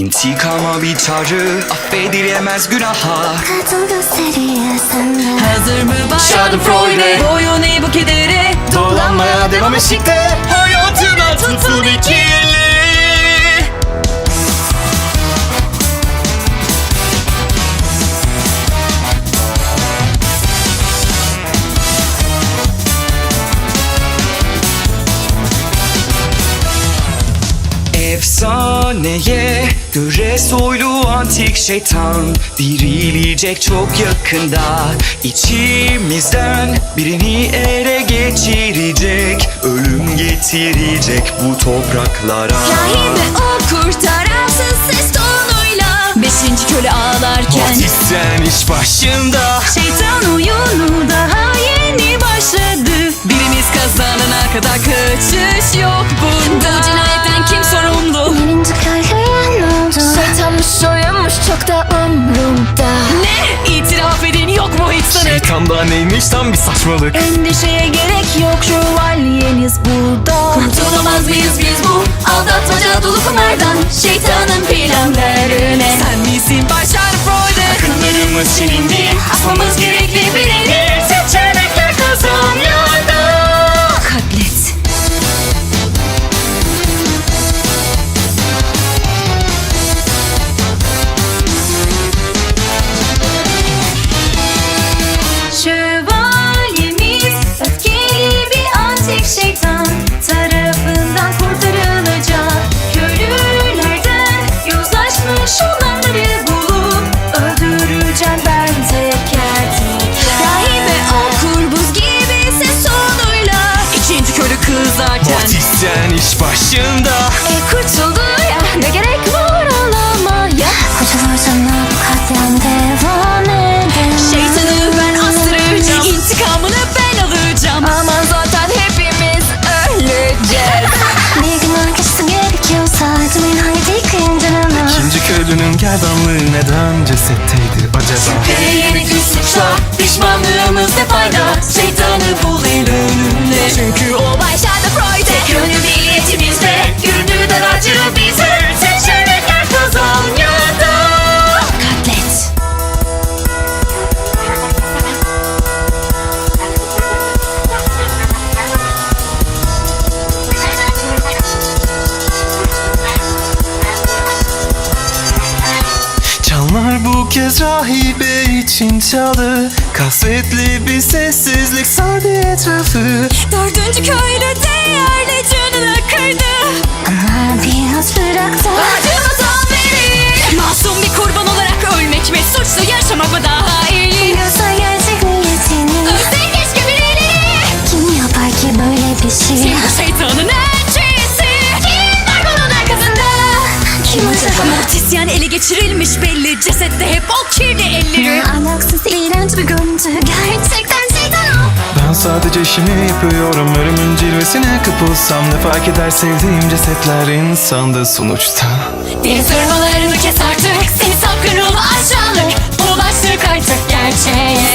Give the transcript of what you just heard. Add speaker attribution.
Speaker 1: İntikama bir çağrı, affedilemez günaha.
Speaker 2: Kadın gösteriyor sana.
Speaker 3: Hazır mı başladın
Speaker 1: Schadenfreude?
Speaker 3: Boyun eğ bu kedere.
Speaker 1: Dolanmaya devam eşikte, hayatına tutun ikili. Efsaneye göre soylu antik şeytan dirilecek çok yakında. İçimizden birini ele geçirecek, ölüm getirecek bu topraklara.
Speaker 3: Rahibe o kurtaransız ses tonuyla. Beşinci köle ağlarken
Speaker 1: Batisyen iş başında.
Speaker 3: şeytan oyunu daha yeni başladı. Birimiz kazanana kadar kaçış yok bunda. Bu cinayetten kim sorumlu?
Speaker 2: Birinci kahraman oldu. Şeytanmış soyunmuş çok da umrumda.
Speaker 3: Ne? İtiraf edin yok mu hiç sanık?
Speaker 1: Şeytanda neymiş tam bir saçmalık.
Speaker 3: Endişeye gerek yok, şövalyeniz burada. Kurtulamaz mıyız biz bu aldatmaca dolu kumardan? Şeytanın planlarına. Sen misin başar Freud'e?
Speaker 1: Akıllarımız silindi, asmamız gerekli birini. Seçenekler kazanıyordu.
Speaker 3: Katlet. Şövalyemiz öfkeli bir antik şeytan tarafından kurtarılacak. Köylülerden yozlaşmış olanları bulup öldüreceğim ben teker teker. Rahibe okur buz gibi ses tonuyla. İkinci köylü kızarken
Speaker 1: Batisyen iş başında.
Speaker 3: kurtuldu ya, ne gerek var ağlamaya.
Speaker 2: Kurtulursan bu katliam devam eder.
Speaker 3: Şeytanı ben astıracağım, intikamını ben alacağım. Aman zaten hepimiz öleceğiz.
Speaker 2: Bir gün arkası gerekiyorsa acımayın haydi kıyıncanına.
Speaker 4: İkinci köylünün gerdanlığı neden cesetteydi acaba?
Speaker 3: Yeni bir suçla pişmanlığımız ne fayda? Şeytanı bul el önünde. Çünkü o başardı Freud'e. Tek yönlü niyetimizde gönlüden acı bize. Seçenekler kazan ya da katlet.
Speaker 4: Çanlar bu kez rahibe için çaldı. Kasvetli bir sessizlik sardı etrafı.
Speaker 3: Dördüncü köylü değerli canını kırdı.
Speaker 2: Ama biraz bıraktı.
Speaker 3: Acımı son verin. Masum bir kurban olarak ölmek mi? Suçlu yaşamak mı daha iyi?
Speaker 2: Biliyorsa gerçek niyetini.
Speaker 3: Ölsen keşke birileri.
Speaker 2: Kim yapar ki böyle bir şey?
Speaker 3: Kim bu şeytanın elçisi? Kim var bunun arkasında?
Speaker 2: Kim acaba?
Speaker 3: Mortisyen ele geçirilmiş belli. Cesette hep o kirli elleri.
Speaker 2: Alaksız iğrenç bir görüntü. Gerçekten şeytan o.
Speaker 4: Ben sadece işimi yapıyorum. Ölümün cilvesine kapılsam ne fark eder, sevdiğim cesetler insanda sonuçta.
Speaker 3: Deniz ırmalarını kes artık. Seni sapkın ruhu aşağılık. Ulaştık artık gerçeğe.